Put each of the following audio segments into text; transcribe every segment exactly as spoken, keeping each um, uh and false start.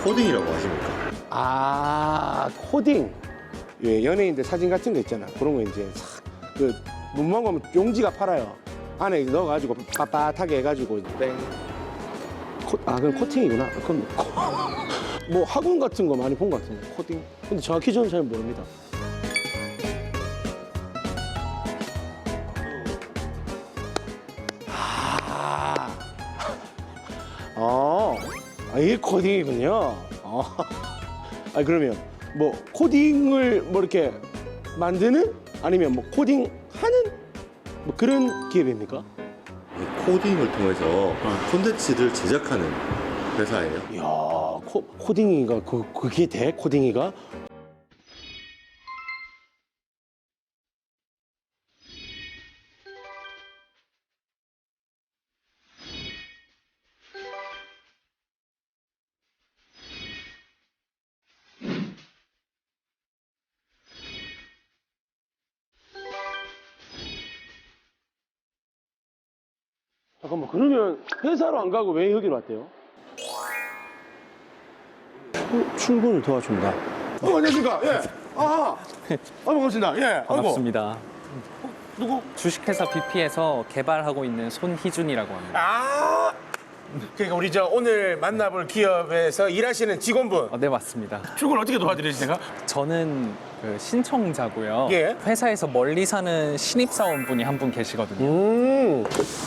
코딩이라고 하십니까? 아, 코딩. 예, 연예인들 사진 같은 거 있잖아. 그런 거 이제 싹, 그, 문방 가면 용지가 팔아요. 안에 넣어가지고 빳빳하게 해가지고 땡. 코, 아, 그럼 코팅이구나. 그럼 코, 뭐 학원 같은 거 많이 본 것 같은데, 코딩. 근데 정확히 저는 잘 모릅니다. 아, 어, 아, 이게 코딩이군요. 어. 아, 그러면 뭐 코딩을 뭐 이렇게 만드는 아니면 뭐 코딩하는 뭐 그런 기업입니까? 이 코딩을 통해서 콘텐츠를 제작하는 회사예요. 이야, 코, 코딩이가 그 그게 돼? 코딩이가? 잠깐만, 그러면 회사로 안 가고 왜 여기로 왔대요? 출, 출근을 도와준다. 어, 안녕하십니까? 예. 아, 아, 반갑습니다. 예. 반갑습니다. 아이고. 누구? 주식회사 비피에서 개발하고 있는 손희준이라고 합니다. 아, 그러니까 우리 저 오늘 만나볼 기업에서 일하시는 직원분. 어, 네, 맞습니다. 출근 어떻게 도와드리지 제가? 저는 그 신청자고요. 예. 회사에서 멀리 사는 신입사원분이 한 분 계시거든요. 음.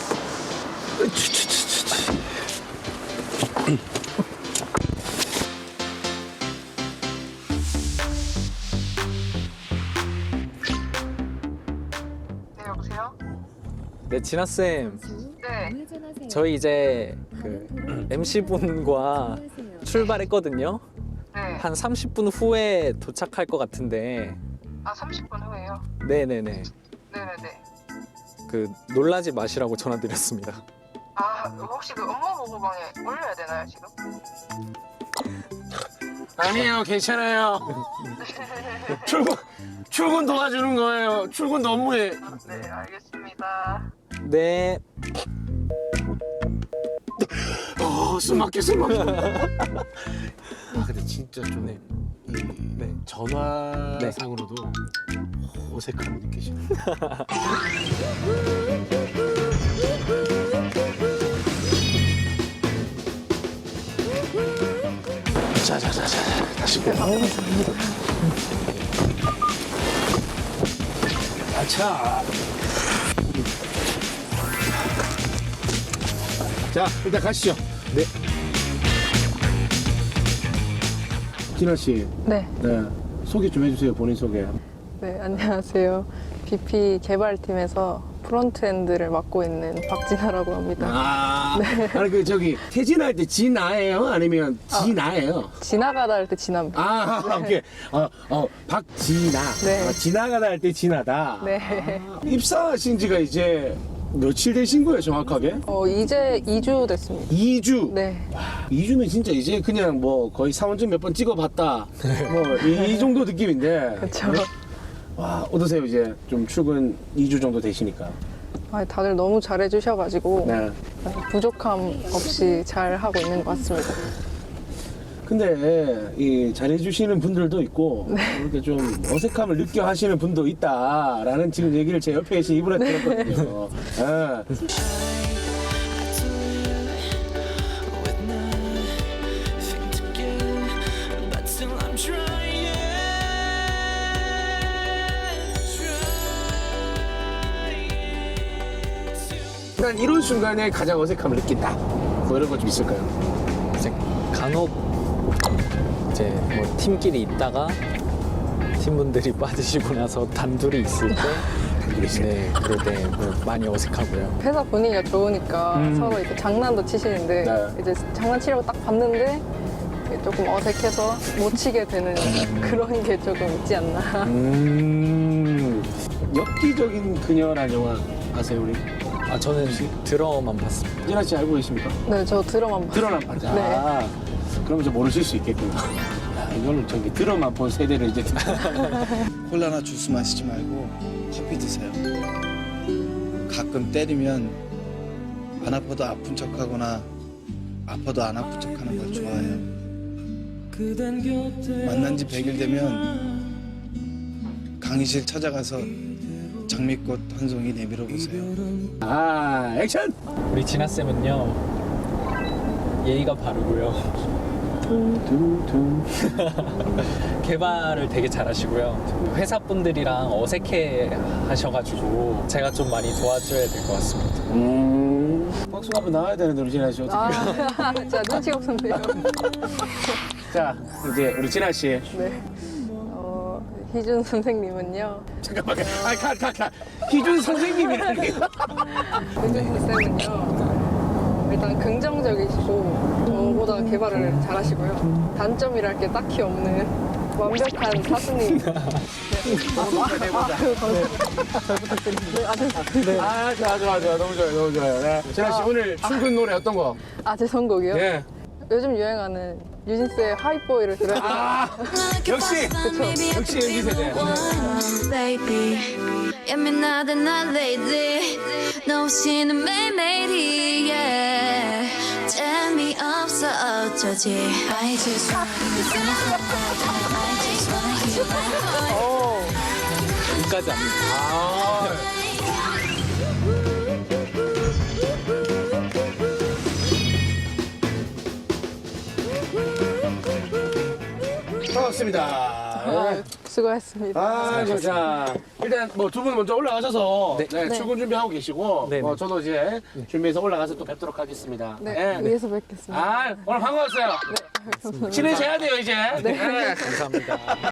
네, 여보세요? 네, 진아쌤. 네. 저희 이제 그 엠씨분과 출발했거든요. 네. 한 삼십 분 후에 도착할 것 같은데. 아, 삼십 분 후에요? 네네네. 네네네. 그 놀라지 마시라고 전화드렸습니다. 아, 혹시 그 업무 보고방에 올려야 되나요, 지금? 아니에요, 괜찮아요. 출근 출근 도와주는 거예요. 출근 업무에. 아, 네, 알겠습니다. 네. 어, 숨막혀, 숨막혀. 아, 근데 진짜 좀 네. 이, 네. 전화상으로도 어색함을 느끼시네요. 자자자자 다시 보고. 아차. 자, 일단 가시죠. 네. 진아 씨, 네, 네 소개 좀 해주세요. 본인 소개. 네, 안녕하세요. 비피 개발팀에서 프론트엔드를 맡고 있는 박진아라고 합니다. 아, 아니 그 저기 퇴진할 때 진아예요? 아니면 진아예요? 지나가다 할 때 진아입니다. 아, 오케이. 어, 어, 박진아. 네. 아, 지나가다 할 때 진아다. 네. 아, 입사하신 지가 이제 며칠 되신 거예요, 정확하게? 어, 이제 이 주 됐습니다. 이 주. 네. 이 주면 진짜 이제 그냥 뭐 거의 사원증 몇 번 찍어봤다. 뭐 이 정도 느낌인데. 그렇죠. 와, 어떠세요? 이제 좀 출근 이 주 정도 되시니까. 아, 다들 너무 잘해주셔가지고 네. 부족함 없이 잘 하고 있는 것 같습니다. 근데 이 잘해주시는 분들도 있고 이렇게 좀 어색함을 느껴 하시는 분도 있다라는 지금 얘기를 제 옆에 계신 이분한테 들었거든요. 예. 난 이런 순간에 가장 어색함을 느낀다. 뭐 이런 거 좀 있을까요? 이제 간혹 이제 뭐 팀끼리 있다가 팀분들이 빠지시고 나서 단둘이 있을 때 단둘이 있을 네, 그럴 때 뭐 많이 어색하고요. 회사 분위기가 좋으니까 음. 서로 이제 장난도 치시는데 네. 이제 장난치려고 딱 봤는데 조금 어색해서 못 치게 되는 그런 게 조금 있지 않나. 음. 엽기적인 그녀라는 영화 아세요, 우리? 아, 저는 드러만 봤습니다. 진아 씨 알고 계십니까? 네, 저 드럼만 봤어요. 드러만 봤다. 네. 아, 그러면 좀 모르실 수 있겠구나. 야, 이거는 저기 드러만 본 세대를 이제 콜라나 주스 마시지 말고 커피 드세요. 가끔 때리면 안 아파도 아픈 척하거나 아파도 안 아픈 척하는 걸 좋아해요. 만난 지 백 일 되면 강의실 찾아가서 장미꽃 한 송이 내밀어 보세요. 아, 액션! 우리 진아 쌤은요 예의가 바르고요. 개발을 되게 잘하시고요. 회사 분들이랑 어색해 하셔가지고 제가 좀 많이 도와줘야 될 것 같습니다. 음. 박수가 한번 나와야 되는데, 우리 진아 씨 어떻게. 아, 진짜 눈치가 없었네요. 자, 이제 우리 진아 씨. 네. 어, 희준 선생님은요. 잠깐만, 아, 가, 가, 가. 희준 선생님이라는 게. 희준 쌤은요. 어, 일단 긍정적이시고 저보다 개발을 잘하시고요. 단점이랄 게 딱히 없는 완벽한 사수님. 네. 아, 잘 부탁드립니다. 네, 아, 잘 부탁드립니다. 아, 좋아, 좋아, 좋아. 너무 좋아요, 너무 좋아요. 네. 진아 씨, 오늘 출근 노래 어떤 거? 아, 제 선곡이요? 예. 요즘 유행하는 유진스의 하이보이를 들어요. 아, 역시! 그쵸. 역시 엠지 세대. baby 예민하다 난 lady 너 없이는 매일매일이 yeah. 재미없어 어쩌지 I just wanna hear my heart I just wanna hear my heart 여기까지 합니다. 아. 반갑습니다. 아, 수고하셨습니다. 아, 자, 자, 일단 뭐 두 분 먼저 올라가셔서 네. 네. 출근 준비하고 계시고 네. 뭐 저도 이제 준비해서 올라가서 또 뵙도록 하겠습니다. 네, 위에서 뵙겠습니다. 아, 오늘 반가웠어요. 친해져야 돼요, 이제. 네. 감사합니다.